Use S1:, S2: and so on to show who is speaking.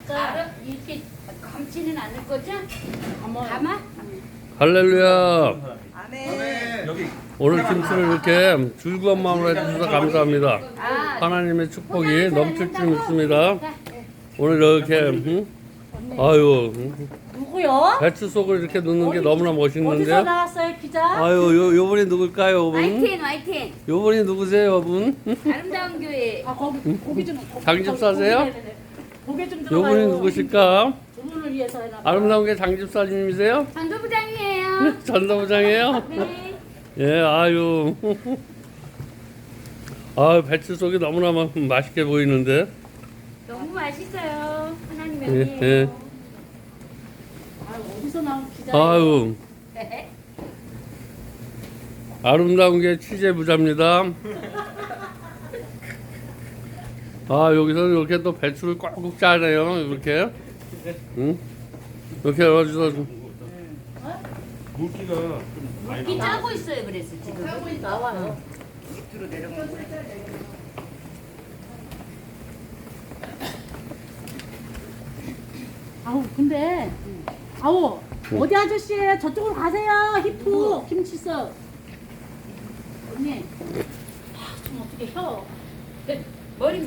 S1: 알아? 이렇게 감지는 않을 거죠? 감아?
S2: 할렐루야.
S3: 아멘.
S4: 여기
S2: 오늘 김치를 이렇게 즐거운 마음으로 해주셔서 감사합니다.
S1: 아,
S2: 하나님의 축복이 넘칠 줄 믿습니다. 오늘 이렇게 아유
S5: 누구요?
S2: 배추 속을 이렇게 넣는 게 너무나
S5: 어디서
S2: 멋있는데요.
S5: 나왔어요, 기자?
S2: 아유 요분이 누굴까요, 요분?
S1: 화이팅 화이팅.
S2: 요분이 누구세요, 요분?
S1: 아름다운 교회.
S5: 아, 고기 좀.
S2: 장집사세요?
S5: 고기 좀 들어가요.
S2: 요분이 누구실까?
S5: 두 분을 위해서 해놔.
S2: 아름다운 게 장집사님이세요?
S1: 전도부장이에요.
S2: 전도부장이에요?
S1: 네.
S2: 예, 아유. 아, 배추 속이 너무나 맛있게 보이는데.
S1: 너무 맛있어요. 하나님의
S2: 예,
S1: 은혜예요.
S2: 예.
S5: 아, 어디서 나온 기자?
S2: 아유, 아름다운 게 취재 부자입니다. 아, 여기서 이렇게 또 배추를 꽉꽉 짜네요. 이렇게. 응? 이렇게 해가지고.
S4: 물기가 좀 많이
S1: 이 짜고 있어요. 그래서 지금.
S5: 나와요.
S3: 밑으로 내려가는 거야.
S5: 아우, 근데 아우, 어디 아저씨예요? 저쪽으로 가세요. 히프 김치서. 언니. 아, 좀 어떻게 혀?
S1: 머리